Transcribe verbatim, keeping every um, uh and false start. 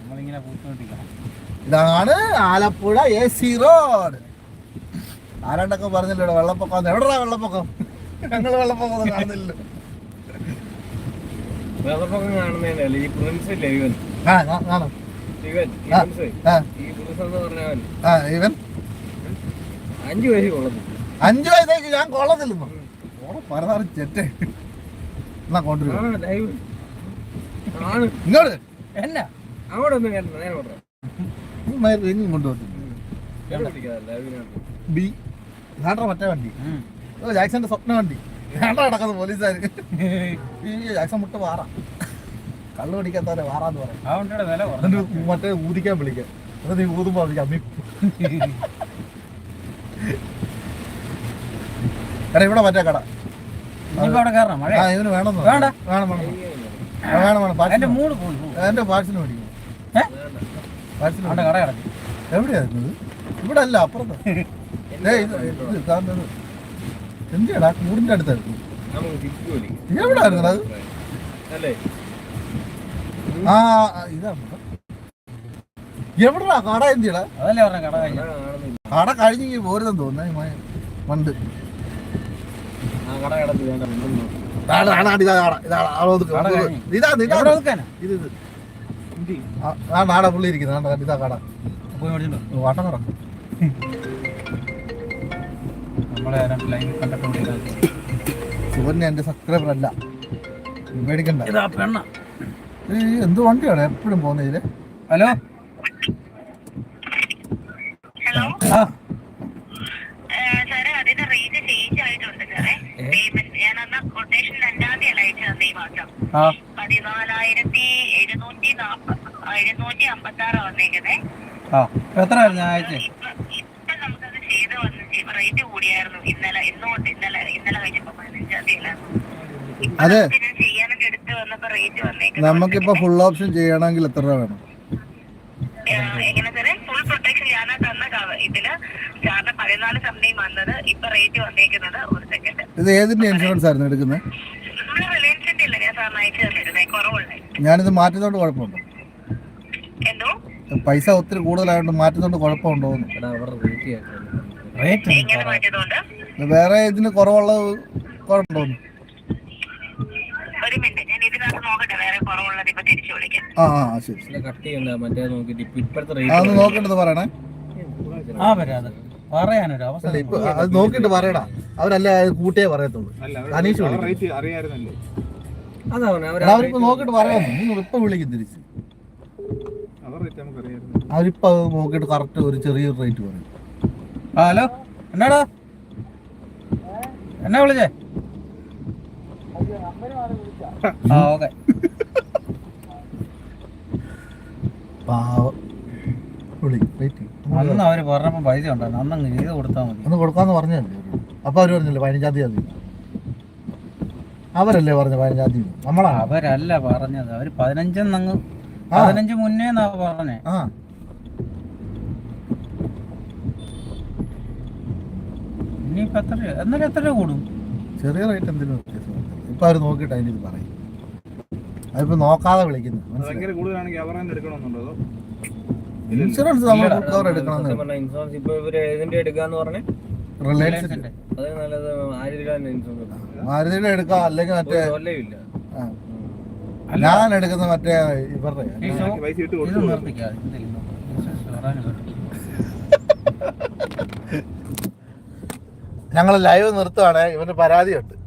ഇതാണ് Alappuzha A C road. ആരാണ്ടൊക്കെ പറഞ്ഞില്ലോ വെള്ളപ്പൊക്കം. എവിടെയാ വെള്ളപ്പൊക്കം? ഞങ്ങൾ വെള്ളപ്പൊക്കം കാണുന്നില്ല. വെള്ളപ്പൊക്കം കാണുന്നതല്ല ഈ പ്രിൻസ് ഇല്ലേ ഇവൻ. ആ കാണും ഇവൻ ഈ പ്രിൻസ് എന്ന് പറഞ്ഞവൻ ഇവൻ അഞ്ചു വയസ്സ് കൊള്ളത്തില്ല. അഞ്ചു വയസ്സേക്ക് ഞാൻ കൊള്ളത്തില്ലെന്നോ? പരതാറ് ചെറ്റേ എന്നാ കൊണ്ടുവരും ഇങ്ങോട്ട് എന്നാ അവിടെ ഒന്നും കേട്ടോ നേരെ കൊണ്ടുവരാം ബി നാട്ട മറ്റേ വണ്ടി ജാക്സന്റെ സ്വപ്ന വണ്ടി നാട്ടാ കിടക്കുന്നത് പോലീസുകാർ. ജാക്സൺ മുട്ട വാറ കള്ളു പിടിക്കാത്തവരെ വാറാന്ന് പറയാം. മറ്റേ ഊതിക്കാൻ വിളിക്കാം. അത് നീ ഊതുമ്പോ വിളിക്കാം അമ്മി. എടാ ഇവിടെ മറ്റേ കട ഇവന് വേണം വേണം വേണം എന്റെ പാഴ്സൽ മേടിക്കും. എവിടെയായിരുന്നത്? ഇവിടെ അല്ല അപ്പുറത്ത്. എന്തിയാടാ കൂടിന്റെ അടുത്തായിരുന്നു. എവിടായിരുന്നു അത്? ആ ഇതാണ് എവിടാ കട? എന്തിയടാ കട കഴിഞ്ഞ് പോരുതെന്ന് തോന്നുന്നേ മണ്ട്. നാടാ പുള്ളി ഇരിക്കുന്നത്. ഇതാ കട വാട്ടം കട. സുവന്യ എന്റെ സബ്സ്ക്രൈബർ അല്ല, മേടിക്കണ്ട. എന്ത് വണ്ടിയാണ് എപ്പോഴും പോകുന്നതില്? ഹലോ പതിനാലായിരത്തി എഴുന്നൂറ്റി എഴുന്നൂറ്റി അമ്പത്തി ആറ് വന്നേക്കുന്നേ. എത്ര അയച്ചേ? ഇപ്പൊ നമുക്കത് ചെയ്ത് വന്നു റേറ്റ് കൂടിയായിരുന്നു. ഇന്നലെ ഇന്നുകൊണ്ട് ഇന്നലെ ഇന്നലെ കഴിഞ്ഞപ്പോ പതിനഞ്ചാം തീയതി അതെ ചെയ്യാനൊക്കെ എടുത്ത് വന്നപ്പോ റേറ്റ് വന്നേക്കുന്നത്. നമുക്കിപ്പോ ഫുൾ ഓപ്ഷൻ ചെയ്യണമെങ്കിൽ എത്ര രൂപ വേണം? എങ്ങനെ സാറേ? ഫുൾ പ്രൊട്ടക്ഷൻ ഞാൻ തന്ന ഇതില് സാറിന് പതിനാല് സമയം വന്നത്. ഇപ്പൊ റേറ്റ് വന്നേക്കുന്നത് ഒരു സെക്കൻഡ്. ഇത് ഏതിന്റെ ഇൻഷുറൻസ് ആയിരുന്നു എടുക്കുന്നത്? റിലയൻസിന്റെ ഇല്ല ഞാൻ സാറിന് അയച്ചു തന്നിരുന്നേ. കുറവുള്ളേ. ഞാനിത് മാറ്റുന്നോണ്ട് കുഴപ്പമുണ്ടോ? എന്തോ പൈസ ഒത്തിരി കൂടുതലായോണ്ട് മാറ്റുന്നോണ്ട് കുഴപ്പമുണ്ടോ? എങ്ങനെ മാറ്റിയതുകൊണ്ട്? വേറെ ഇതിന് കുറവുള്ളത് കുഴപ്പമുണ്ടോ? ഒരു മിനിറ്റ് ഞാൻ ഇതിനകത്ത് നോക്കട്ടെ. വേറെ കുറവുള്ളത് ഇപ്പൊ തിരിച്ചു വിളിക്കാം. ആ ആ ശരി. അതൊന്ന് നോക്കിട്ട് പറയണേ. പറയാനൊരു അവസരം ഇപ്പൊ അത് നോക്കിട്ട് പറയടാ. അവരല്ല കൂട്ടിയേ പറയത്തുള്ളൂ. അനീഷ് അവരിപ്പോ നോക്കിട്ട് പറയാമോ? നിങ്ങൾ ഇപ്പൊ വിളിക്കും തിരിച്ച്. അവരിപ്പോ അത് നോക്കിട്ട് കറക്റ്റ് ഒരു ചെറിയൊരു റേറ്റ് പറയും. ഹലോ എന്നാടാ എന്നാ വിളിച്ചേ? ആ ഓക്കെ. അന്ന് അവര് പറഞ്ഞപ്പോ പൈസ ഉണ്ടായിരുന്നു. അന്നങ്ങ് ചെയ്ത് കൊടുത്താൽ മതി. അന്ന് കൊടുക്കാന്ന് പറഞ്ഞല്ലേ. അപ്പൊ അവര് പറഞ്ഞില്ലേ പതിനഞ്ചാം തീയതി? അവരല്ലേ പറഞ്ഞ പതിനഞ്ചാം തീയതി? നമ്മളാ? അവരല്ല പറഞ്ഞത്. അവര് പതിനഞ്ചെന്നങ്ങ് പതിനഞ്ച് മുന്നേ പറഞ്ഞേ. ആ ഇനിയിപ്പോ എത്ര എന്നാലും എത്ര രൂപ കൂടും? ചെറിയ റേറ്റ് എന്തെങ്കിലും വ്യത്യാസം. ഇപ്പൊ അവര് നോക്കിയിട്ട് അതിന് ഇത് പറയും. അതിപ്പോ നോക്കാതെ വിളിക്കുന്നു. ഇൻഷുറൻസ് നമ്മൾ കവർ എടുക്കണം. മാരുതിയുടെ എടുക്കാം അല്ലെങ്കിൽ മറ്റേ ഞാൻ എടുക്കുന്ന മറ്റേ ഇവരുടെ ഞങ്ങൾ ലൈവ് നിർത്തുവാണ്. ഇവന് പരാതിയുണ്ട്.